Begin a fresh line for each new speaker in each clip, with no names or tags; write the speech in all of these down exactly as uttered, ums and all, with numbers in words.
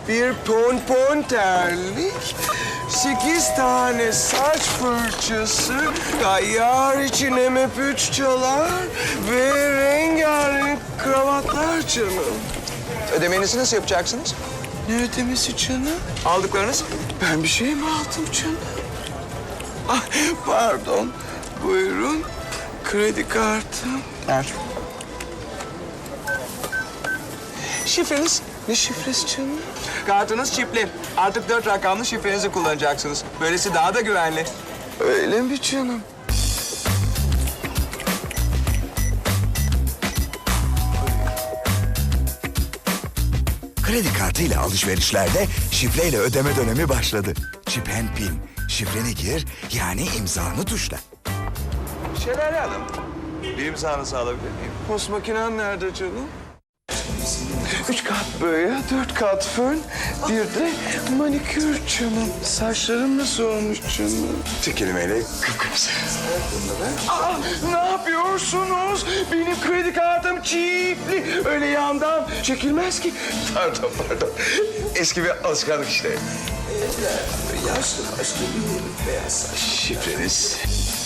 bir pompon terlik, sekiz tane saç fırçası, gayyar için M F üç çalar ve rengarenk kravatlar canım.
Ödemenizi nasıl yapacaksınız?
Ne ödemesi canım?
Aldıklarınız?
Ben bir şey mi aldım canım? Ah, pardon. Buyurun. Kredi kartım.
Ver.
Şifreniz? Ne şifresi canım?
Kartınız çipli. Artık dört rakamlı şifrenizi kullanacaksınız. Böylesi daha da güvenli.
Öyle mi canım?
Kredi kartıyla alışverişlerde şifreyle ödeme dönemi başladı. Chip and Pin. Şifreni gir, yani imzanı tuşla.
Şelale Hanım, bir imzanızı alabilir miyim?
Post makinen nerede canım? Üç kat boya, dört kat fön, bir de manikür canım. Saçlarım nasıl olmuş canım?
Tek kelimeyle kıpkırmızı.
Aa, ne yapıyorsunuz? Benim kredi kartım çipli. Öyle yandan çekilmez ki.
Pardon, pardon. Eski bir alışkanlık işte.
Yaşlı başlı bir beyaz saç.
Şifreniz?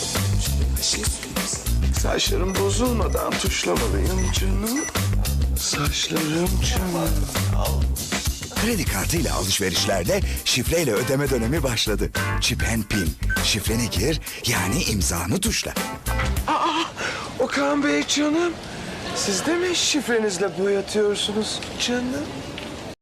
Saçlarım bozulmadan tuşlamalıyım canım. Saçlarım canım.
Kredi kartıyla alışverişlerde şifreyle ödeme dönemi başladı. Chip and Pin. Şifreni gir, yani imzanı tuşla.
Aa, Okan Bey canım. Siz de mi şifrenizle boyatıyorsunuz canım?